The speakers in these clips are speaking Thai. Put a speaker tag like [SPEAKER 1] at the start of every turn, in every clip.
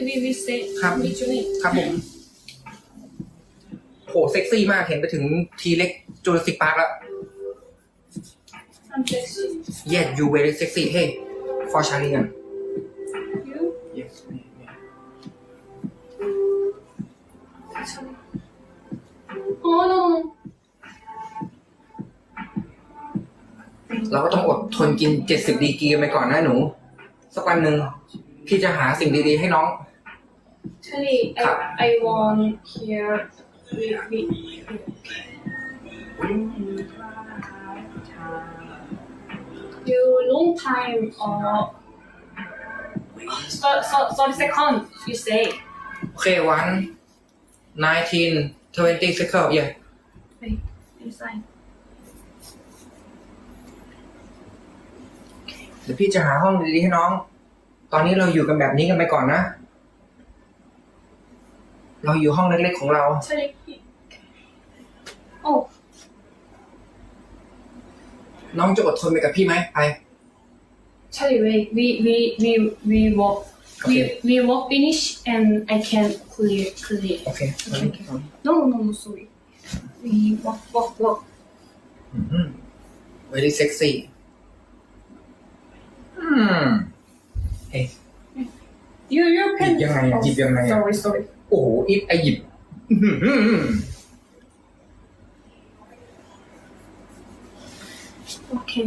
[SPEAKER 1] we say
[SPEAKER 2] ครับครับผมโหเซ็กซี่มากเห็นไปถึงทีเล็กจูราสสิกพาร์คแล้ว
[SPEAKER 1] I'm sexy.
[SPEAKER 2] Yes you very sexy hey for Charlie
[SPEAKER 1] You?
[SPEAKER 2] Yes
[SPEAKER 1] Oh no.
[SPEAKER 2] เราก็ต้องอดทนกิน70 ดีกรีไปก่อนนะหนูสักวันหนึ่งพี่จะหาสิ่งดีๆให้น้อง
[SPEAKER 1] Charlie, I want here. We. You long time or 30 seconds. You say.
[SPEAKER 2] โอเค19 20 cycle yeah
[SPEAKER 1] Wait, inside.
[SPEAKER 2] เดี๋ยวพี่จะหาห้องดีๆให้น้อง ตอนนี้เราอยู่กันแบบนี้กันไปก่อนนะ เราอยู่ห้องเล็กๆของเรา
[SPEAKER 1] Charlie. Oh.
[SPEAKER 2] น้องจะอดทนไปกับพี่ไหมไป
[SPEAKER 1] Charlie, wait. We walk.
[SPEAKER 2] Okay.
[SPEAKER 1] We walk finish and I can clear.
[SPEAKER 2] โอเค
[SPEAKER 1] Okay. No, sorry. We walk.
[SPEAKER 2] very sexy เฮ้ย
[SPEAKER 1] You
[SPEAKER 2] หยิ
[SPEAKER 1] can.
[SPEAKER 2] บยังไงอะหยิบยังไงอะ
[SPEAKER 1] Sorry.
[SPEAKER 2] โอ้โหอิฟไอหยิบ
[SPEAKER 1] Okay.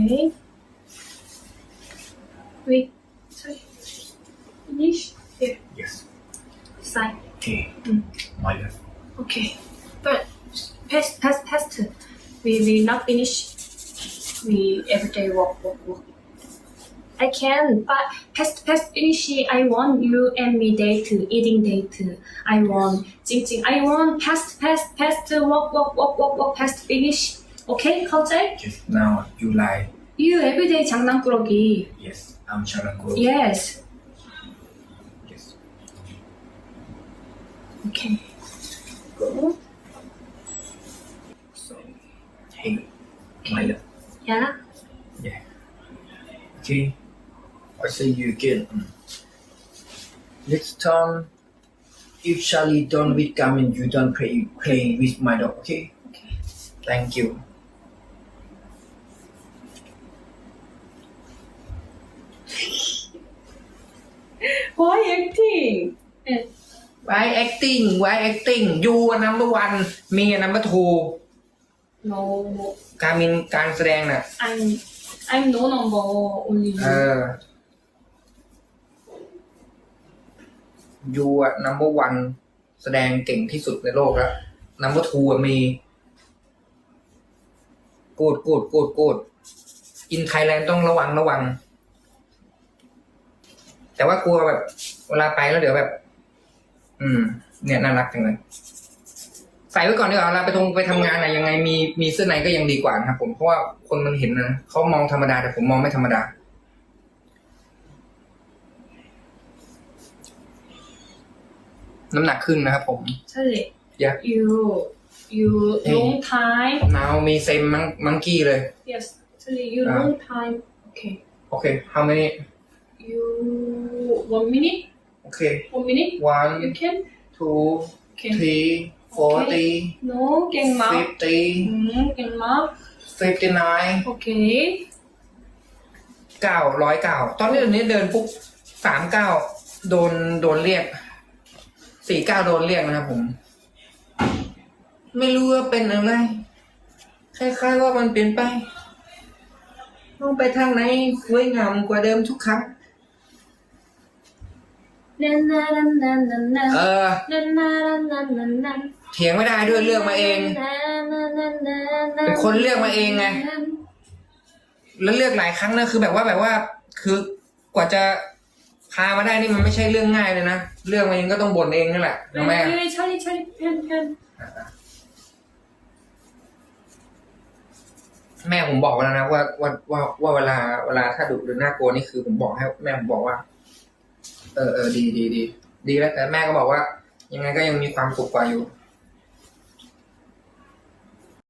[SPEAKER 1] Wait. Sorry. Finish. Here.
[SPEAKER 2] yes
[SPEAKER 1] Side.
[SPEAKER 2] okay my love
[SPEAKER 1] Okay. But past. We not finish. We everyday walk. I can, but past finish. I want you and me date, eating date. I want, jing. I want past walk, past finish. Okay,เข้าใจ?
[SPEAKER 2] yes now you lie
[SPEAKER 1] You everyday 장난꾸러기.
[SPEAKER 2] yes I'm Charango
[SPEAKER 1] Yes.
[SPEAKER 2] yes
[SPEAKER 1] Okay. Go.
[SPEAKER 2] hey my love
[SPEAKER 1] Yeah.
[SPEAKER 2] yeah okay I see you again next time if Charlie don't with Garmin you don't play with my dog okay
[SPEAKER 1] Okay.
[SPEAKER 2] thank you
[SPEAKER 1] Why acting?
[SPEAKER 2] why acting you are number one me are number two
[SPEAKER 1] No.
[SPEAKER 2] การแสดงน่ะ
[SPEAKER 1] I'm no number only
[SPEAKER 2] เอ
[SPEAKER 1] you.
[SPEAKER 2] อ you อะ number one แสดงเก่งที่สุดในโลกแล้ว number two อะมีกูดอินไทยแลนด์ต้องระวัง แต่ว่ากลัวแบบ เวลาไปแล้วเดี๋ยวแบบ เนี่ยน่ารักจังเลย ใส่ไว้ก่อนดีกว่าเวลาไปทำงานอะยังไงมีเสื้อในก็ยังดีกว่านะครับผมเพราะว่าคนมันเห็นนะเขามองธรรมดาแต่ผมมองไม่ธรรมดา น้ำหนักขึ้นนะครับผม
[SPEAKER 1] Charlie.
[SPEAKER 2] Yeah.
[SPEAKER 1] You long time.
[SPEAKER 2] now มีเซมมังกี้เลย
[SPEAKER 1] Yes. Charlie, you long time. Okay.
[SPEAKER 2] โอเค how many
[SPEAKER 1] You 1 minute.
[SPEAKER 2] โอเค
[SPEAKER 1] 1 minute.
[SPEAKER 2] one
[SPEAKER 1] You can.
[SPEAKER 2] two
[SPEAKER 1] Okay.
[SPEAKER 2] three 40
[SPEAKER 1] No, 갱막.
[SPEAKER 2] 50
[SPEAKER 1] 갱막.
[SPEAKER 2] 59
[SPEAKER 1] Okay.
[SPEAKER 2] 109ตอนนี้เดินปุ๊บ39โดนเรียก49โดนเรียกนะครับผม ไม่รู้ว่าเป็นอะไรคล้ายๆว่ามันเปลี่ยนไปต้องไปทางไหนสวยงามกว่าเดิมทุกครั้ง
[SPEAKER 1] 나나나나나나.
[SPEAKER 2] นาเถียงไม่ได้ด้วยเลือกมาเอง เป็นคนเลือกมาเองไง แล้วเลือกหลายครั้งนะคือแบบว่าคือกว่าจะพามาได้นี่มันไม่ใช่เรื่องง่ายเลยนะเลือกมาเองก็ต้องบ่นเองนั่นแหละนะแม่
[SPEAKER 1] Charlie, pen.
[SPEAKER 2] แม่ผมบอกไว้แล้วนะว่าเวลาถ้าดุหรือน่ากลัวนี่คือผมบอกให้แม่ผมบอกว่าดีแล้วแต่แม่ก็บอกว่า ยังไงก็ยังมีความสุขกว่าอยู่